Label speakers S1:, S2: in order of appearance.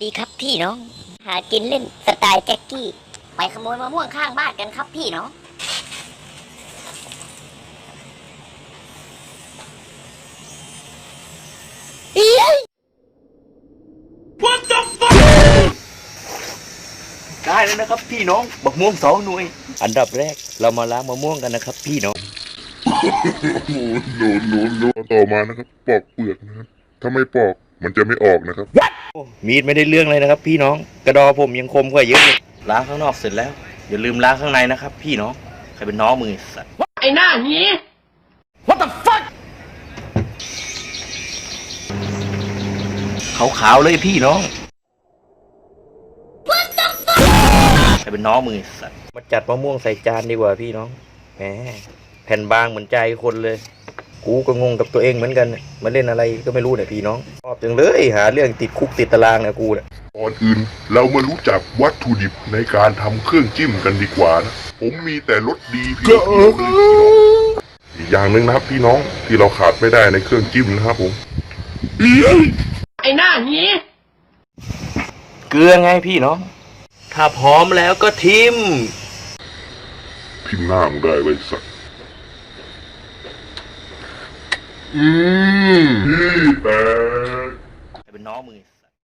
S1: ดีครับพี่น้องหากินเล่นสไตล์แจ็คกี้ไปขโมยมะม่วงข้างบ้านกันครับพี่น้องเอ้ย
S2: What the fuck ได้แล้วนะครับพี่น้องบักม่วง2 หน่วยอันดับแรกเรามาล้างมะม่วงกันนะครับพี่น้อง
S3: โนต่อมานะครับปอกเปลือกนะครับถ้าไม่ปอกมันจะไม่ออกนะครับ
S2: โอ้มีดไม่ได้เรื่องเลยนะครับพี่น้องกระดอผมยังคมกว่าเยอะเลยล้างข้างนอกเสร็จแล้วอย่าลืมล้างข้างในนะครับพี่น้องใครเป็นน้องมือสัตว์ไอ้หน้านี้ What the fuck ขาวๆเลยพี่น้องใครเป็นน้องมือสัตว์มาจัดมะม่วงใส่จานดีกว่าพี่น้องแหมแผ่นบางเหมือนใจคนเลยกูก็งงกับตัวเองเหมือนกันมาเล่นอะไรก็ไม่รู้เนี่ยพี่น้องชอบจังเลยหาเรื่องติดคุกติดตารางเนี่ยกูเนี่ย
S3: ก่อนอื่นเรามารู้จักวัตถุดิบในการทำเครื่องจิ้มกันดีกว่านะผมมีแต่รสดีเพียวๆเลยพี่น้องอีกอย่างหนึ่งนะครับพี่น้องที่เราขาดไม่ได้ในเครื่องจิ้มนะครับผม
S2: ไอ้หน้านี้เกลือไงพี่น้องถ้าพร้อมแล้วก็ทิม
S3: พิมพ์หน้ามึงได้ไว้สักพี่แปะ
S2: เป็นน้องมือ